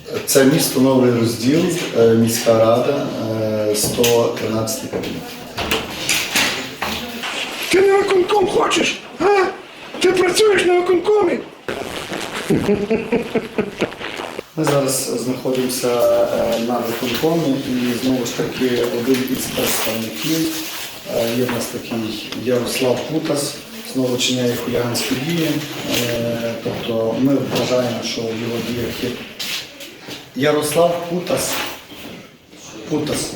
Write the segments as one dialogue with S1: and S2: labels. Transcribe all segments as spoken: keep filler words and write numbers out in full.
S1: Це місто Новий Розділ, міська рада, сто тринадцятий кабінет.
S2: Ти на виконком хочеш? А? Ти працюєш на виконкомі?
S1: Ми зараз знаходимося на виконкомі і знову ж таки один із представників, є в нас такий Ярослав Путас, знову чиняє хуліганські дії. Тобто ми вважаємо, що в його діях є Ярослав Путас. Путас.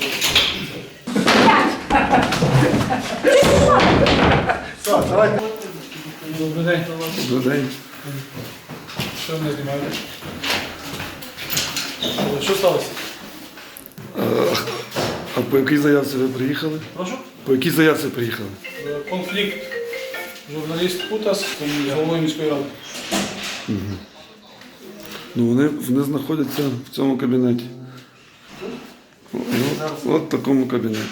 S3: Добрий день.
S2: Добрий день.
S3: Що мене знімаєте? Що сталося?
S2: А по якій заявці ви приїхали?
S3: Прошу?
S2: По якій заявці приїхали?
S3: Конфлікт. Журналіст Путас з головою міської ради.
S2: Ну вони, вони знаходяться в цьому кабінеті. От, от в такому кабінеті.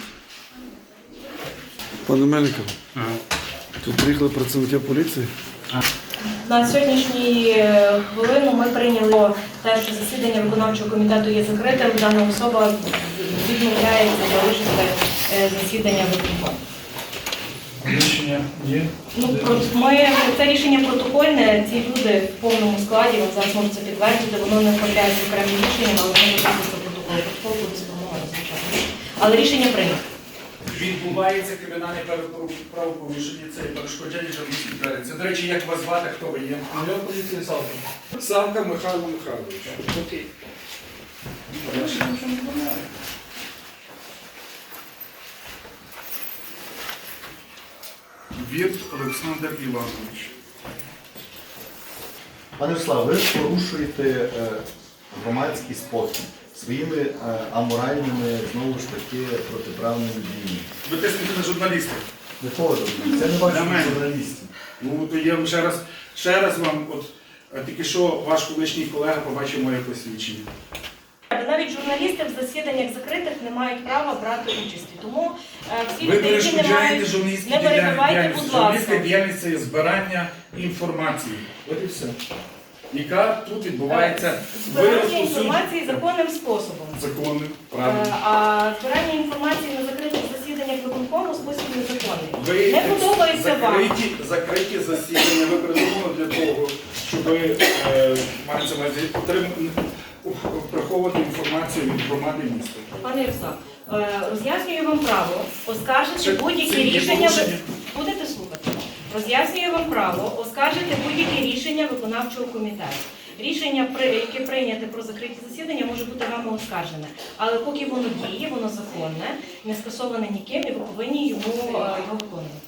S2: Пане Мельников, тут приїхали працівники поліції.
S4: На сьогоднішній хвилину ми прийняли те, що засідання виконавчого комітету є закритим. Дана особа відмовляється залишити засідання виконкому.
S3: Рішення є?
S4: Ну, ми, це рішення протокольне, ці люди в повному складі, ви зараз можете це підтвердити, воно не вправляється окремим рішенням, але воно записується протокол. Протокол буде сформований, звичайно. Але рішення прийнято.
S5: Відбувається кримінальне правопорушення, це перешкоджання журналістській діяльності. До речі, як вас звати, хто ви є?
S3: Майор поліції Савка.
S5: Савка Михайло Михайлович. Окей. Вірт Олександр Іванович.
S1: Пане Руслав, ви порушуєте громадський спокій своїми аморальними, знову ж таки, протиправними діями.
S5: Ви тиснете на журналістів.
S1: Не того, це не ваші
S5: Для мене.
S1: журналістів.
S5: Ну, то я вам ще раз, ще раз вам, от е, тільки що ваш колишній колега побачив моє посвідчення.
S4: Навіть журналісти в засіданнях закритих не мають права брати участі. Тому е, всі
S5: Ви
S4: люди, які не
S5: перешкоджаєте
S4: мають,
S5: журналістській
S4: не перебивайте,
S5: діяльності.
S4: будь
S5: Журналістська
S4: ласка.
S5: діяльність це є збирання інформації. От і все. Яка тут відбувається
S4: Збирання
S5: виросту
S4: інформації законним способом.
S5: законним,
S4: Е,
S5: правильно.
S4: А збирання інформації на закритих засіданнях виконкому спосіб незаконний.
S5: Ви
S4: Не подобається вам.
S5: закриті, закриті засідання, ви придумали для того, щоб е, мається на увазі, отримати- приховувати інформацію від громади міста.
S4: Пане Ярослав, е, роз'яснюю вам право оскаржити
S5: Це-
S4: будь-які
S5: це є
S4: рішення.
S5: порушення.
S4: Будете слухати. Роз'яснюю вам право оскаржити будь-які рішення виконавчого комітету. Рішення, при- яке прийняте про закриті засідання, може бути вами оскаржене. Але поки воно діє, воно законне, не скасоване ніким, і ви повинні йому е, його виконувати.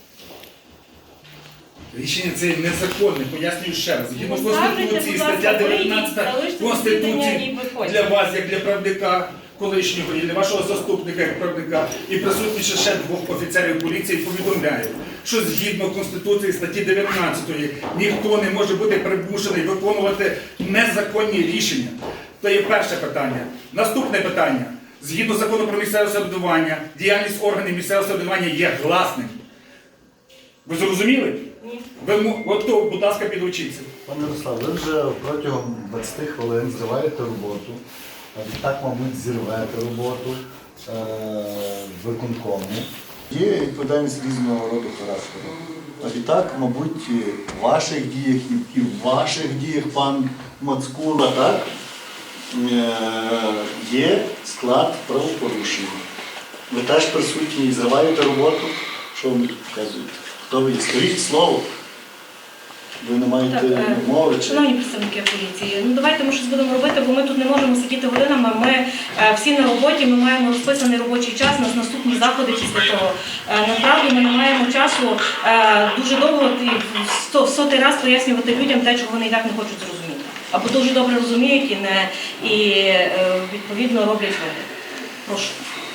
S5: Рішення це незаконне, пояснюю ще раз. Згідно
S4: Ну, скажете,
S5: Конституції,
S4: будь ласка,
S5: стаття
S4: вийдіть,
S5: дев'ятнадцята
S4: залиште засідання і
S5: Конституції
S4: виходьте.
S5: для вас, як для правника колишнього, і для вашого заступника, як правника, і присутніше ще двох офіцерів поліції повідомляю, що згідно Конституції статті дев'ятнадцятої ніхто не може бути примушений виконувати незаконні рішення. Це є перше питання. Наступне питання. Згідно закону про місцеве самоврядування, діяльність органів місцевого самоврядування є гласним. Ви зрозуміли?
S4: Ні.
S5: Ви, м- от то, будь ласка, підучіться.
S1: Пане Руслав, ви вже протягом двадцяти хвилин зриваєте роботу, а відтак, мабуть, зірвете роботу е, виконкому. Є відповідальність різного роду характеру. А відтак, мабуть, в ваших діях і в ваших діях, пан Мацкула, так, е, є склад правопорушення. Ви теж присутні і зриваєте роботу. Що ви мені показуєте? Хто ви є? Скажіть слово. Ви не маєте
S4: Так, е,
S1: мови чи...
S4: Шановні представники поліції, ну давайте ми щось будемо робити, бо ми тут не можемо сидіти годинами. Ми е, всі на роботі, ми маємо розписаний робочий час, у нас наступні заходи після того. Е, насправді ми не маємо часу е, дуже довго і в сто, в сотий раз пояснювати людям те, чого вони і так не хочуть зрозуміти. Або дуже добре розуміють і, не, і е, відповідно роблять вибір. Прошу.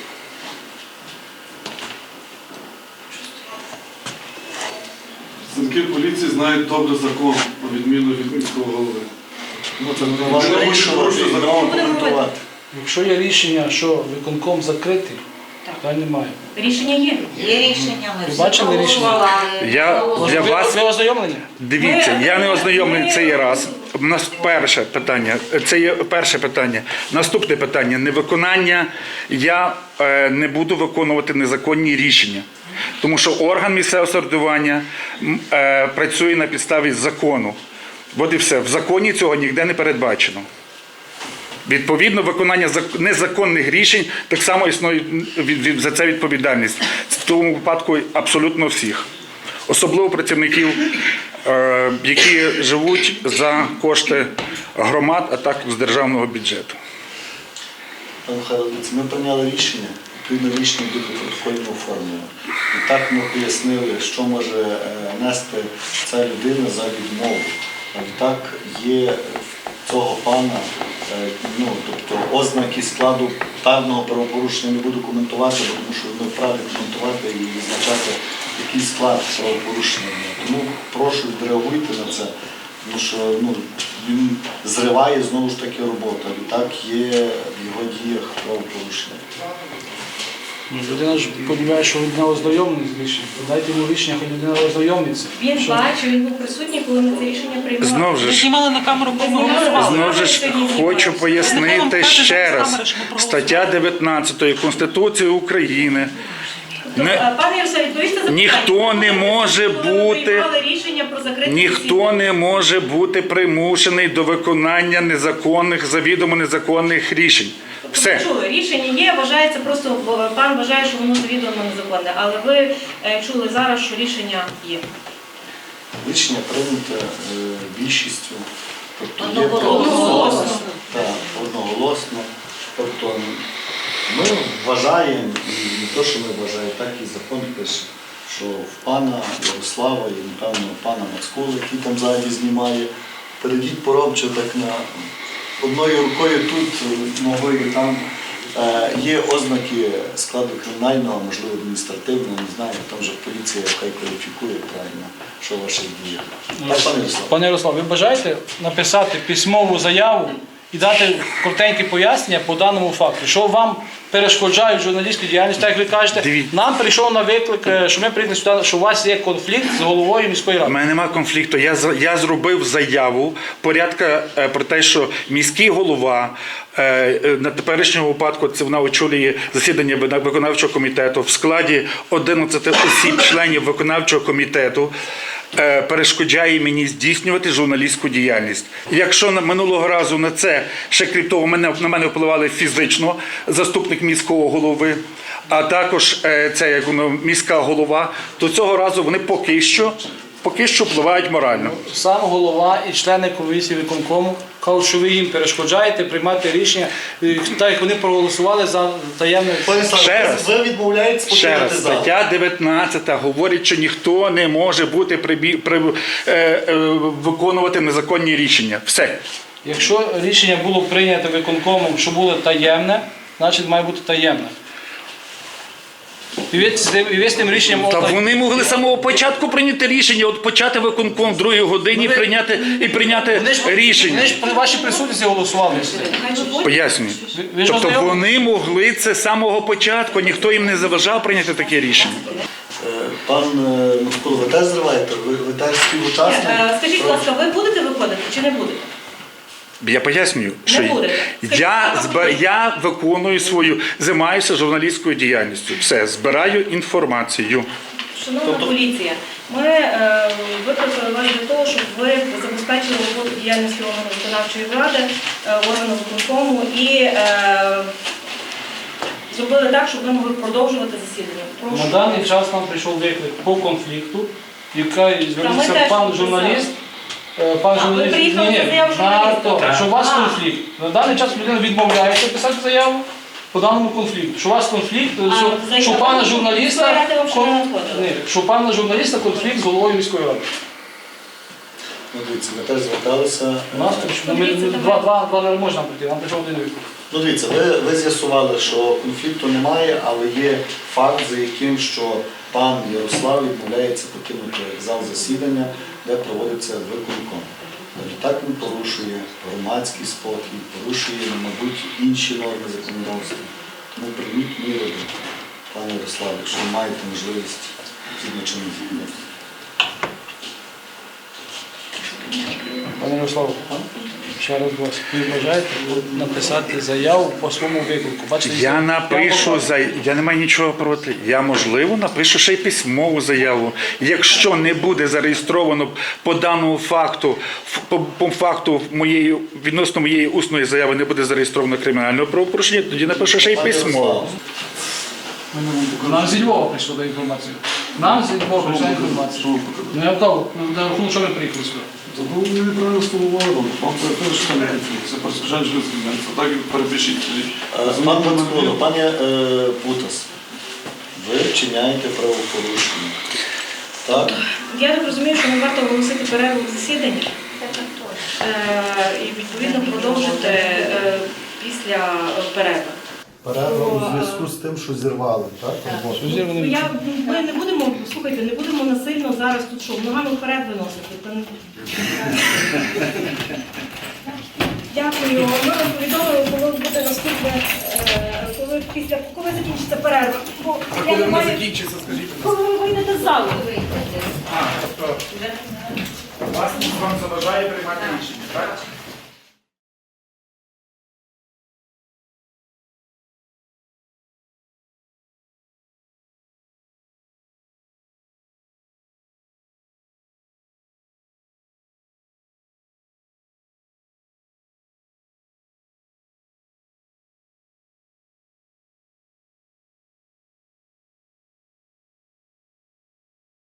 S2: Працівники поліції знають добре закон, на відміну від міського голови.
S1: Ну, це не ваше вирішувати і знову коментувати.
S3: Якщо є рішення, що виконком закритий, питань немає.
S4: Рішення є.
S6: Є рішення, ми
S3: Ви
S6: всі
S3: бачили рішення?
S6: проголосували.
S5: Я для
S3: Ви,
S5: вас,
S3: ви ознайомлені?
S5: дивіться, я не ознайомлений цей раз. у нас перше питання. Це є перше питання. Наступне питання. Невиконання. Я е, не буду виконувати незаконні рішення. Тому що орган місцевого самоврядування м, е, працює на підставі закону. От і все. В законі цього ніде не передбачено. Відповідно, виконання зак- незаконних рішень так само існує від- від- за це відповідальність. В тому випадку абсолютно всіх. Особливо працівників, е, які живуть за кошти громад, а також з державного бюджету.
S1: Пане Михайло, дивіться, ми прийняли рішення, відповідно рішення буде протокольно оформлено. І так ми пояснили, що може е, нести ця людина за відмову. А відтак є в цього пана, е, ну, тобто ознаки складу певного правопорушення не буду коментувати, бо тому що не вправі коментувати і визначати який склад правопорушення. Тому прошу відреагуйте на це, тому що ну, він зриває знову ж таки роботу. Відтак є в його діях правопорушення.
S3: Ну, людина ж подивляє, що він не ознайомлений з рішенням. Дайте йому рішення, хай людина ознайомиться.
S4: Він бачив, він був присутній, коли ми це рішення приймали.
S5: Знов же
S6: Ми
S5: ж,
S6: знімали на камеру, бо ми голосували.
S5: знов же ж хочу пояснити ще раз. Стаття дев'ятнадцята Конституції України. Не,
S4: Пане Ярославе, відповісти за питання.
S5: ніхто не може
S4: Коли ми
S5: бути,
S4: приймали рішення про закрите
S5: ніхто
S4: засідання.
S5: не може бути примушений до виконання незаконних, завідомо незаконних рішень. Все.
S4: Тобто, чули, рішення є, вважається просто, пан вважає, що воно завідомо незаконне, але ви е, чули зараз, що рішення є.
S1: Рішення прийнято е, більшістю, тобто є
S4: Одноголосно.
S1: Так, одноголосно. Тобто ми вважаємо, і не то, що ми вважаємо, так і закон пише, що в пана Ярослава і, напевно, пана Мацкула, який там ззаді знімає, перейдіть поробче так на одною рукою тут, ногою там. Е, Є ознаки складу кримінального, можливо, адміністративного, не знаю, там вже поліція хай кваліфікує правильно, що ваші дії. Так, пане Ярослав?
S3: Пане Ярослав, ви бажаєте написати письмову заяву і дати коротеньке пояснення по даному факту, що вам перешкоджають журналістській діяльності, так як ви кажете,
S5: Дивіться.
S3: нам прийшов на виклик, е, що ми приїхали сюди, що у вас є конфлікт з головою міської
S5: У
S3: ради.
S5: мене немає конфлікту. Я, з- я зробив заяву порядка е, про те, що міський голова е, е, на теперішньому випадку це вона очолює засідання вина- виконавчого комітету в складі одинадцяти осіб, членів виконавчого комітету. е, Перешкоджає мені здійснювати журналістську діяльність. Якщо на- минулого разу на це, ще крім того, мене, на мене впливали фізично заступник міського голови, а також е, це як воно, міська голова, то цього разу вони поки що, поки що впливають морально.
S3: Сам голова і члени комісії виконкому кажуть, що ви їм перешкоджаєте приймати рішення, е, так як вони проголосували за таємне.
S1: Пане Ярослав,
S5: Ще раз.
S1: ви відмовляєтесь
S5: Ще
S1: покинути
S5: раз,
S1: зал.
S5: стаття дев'ятнадцята говорить, що ніхто не може бути прибі... при... е, е, виконувати незаконні рішення. Все.
S3: Якщо рішення було прийнято виконкомом, що було таємне, значить має бути таємне. І ви, з тим- і ви з тим рішенням...
S5: Та
S3: отак-
S5: вони могли з самого початку прийняти рішення, от почати виконком в другій годині і
S3: ви-
S5: прийняти, і прийняти
S3: Вони ж,
S5: рішення.
S3: вони ж при вашій присутності голосували.
S4: Хай виводять.
S5: Пояснюю.
S3: Ви- ви ж
S5: Тобто
S3: ознайомлені?
S5: вони могли це з самого початку, ніхто їм не заважав прийняти таке рішення.
S1: Е, Пан е, Мацкула, ви теж зриваєте? Ви, ви теж співучасник?
S4: Е, Скажіть, будь ласка, ви будете виходити чи не будете?
S5: Я пояснюю, що
S4: будете. Скажіть,
S5: я,
S4: а
S5: збер... я виконую свою, займаюся журналістською діяльністю. Все, збираю інформацію.
S4: Шановна поліція, ми е, викликали вас для того, щоб ви забезпечили роботу діяльності органу виконавчої влади, е, органу виконкому і е, зробили так, щоб ви могли продовжувати засідання. Прошу.
S3: На даний час нам прийшов виклик по конфлікту, яка звернувся
S4: теж
S3: пан
S4: написали.
S3: журналіст. е, Пан
S4: А, ви
S3: журналіст,
S4: приїхали за заяву
S3: на
S4: журналіста?
S3: то, що у вас
S4: А.
S3: конфлікт. На даний час людина відмовляється писати заяву по даному конфлікту. Що у вас конфлікт,
S4: А,
S3: що,
S4: заяву
S3: що у пана
S4: міської
S3: журналіста,
S4: ради вам ще не
S3: кон-
S4: надходила?
S3: ні, що у пана журналіста конфлікт з головою міської ради.
S1: Ну, дивіться, ми теж зверталися.
S3: У нас
S1: Е,
S3: ну, ми, ми, два, два, два не можна прийти, нам прийшов один виклик.
S1: Ну, дивіться, ви, ви з'ясували, що конфлікту немає, але є факт, за яким, що пан Ярослав відмовляється покинути зал засідання, де проводиться виконком. Так він порушує громадський спокій, порушує, мабуть, інші норми законодавства. Тому прийміть міри, пане Ярославе, якщо ви маєте можливість згідно чинних законів.
S3: Пане Ярославе, ще раз вас, ви бажаєте написати заяву по своєму виклику. Бачите,
S5: Я напишу
S3: вам-
S5: за я не маю нічого проти. Я можливо напишу ще й письмову заяву. Якщо не буде зареєстровано по даному факту, ф- по, по факту моєї відносно моєї усної заяви не буде зареєстровано кримінальне правопорушення, тоді напишу ще й письмово.
S3: Нам зі Львова прийшла до інформації. Нам зі Львова прийшла інформація. Ну я готов, на рахунок, що ви приїхали сюди.
S2: Забув неправильно сформулював. Вам це теж там це перешкоджання життя. Це так перепишіть.
S1: Е, Пан Мацкуло, пане е, Путас, ви вчиняєте правопорушення. Так?
S4: Я так розумію, що не варто оголосити перерву в засіданні е, і відповідно продовжити е, після е, перерви.
S1: Перерва у зв'язку з тим, що зірвали, так? роботу?
S4: Ну, Я, ми не будемо, слухайте, не будемо насильно зараз тут що, ногами вперед виносити. Та не- Дякую. Ми вам повідомили, коли буде наступне, е, коли після коли закінчиться перерва. Бо
S5: А
S4: я
S5: коли
S4: не
S5: вона
S4: маю-
S5: закінчиться, скажіть, будь ласка.
S4: коли ви вийдете з залу.
S5: А, тобто вас вам заважає приймати рішення, так?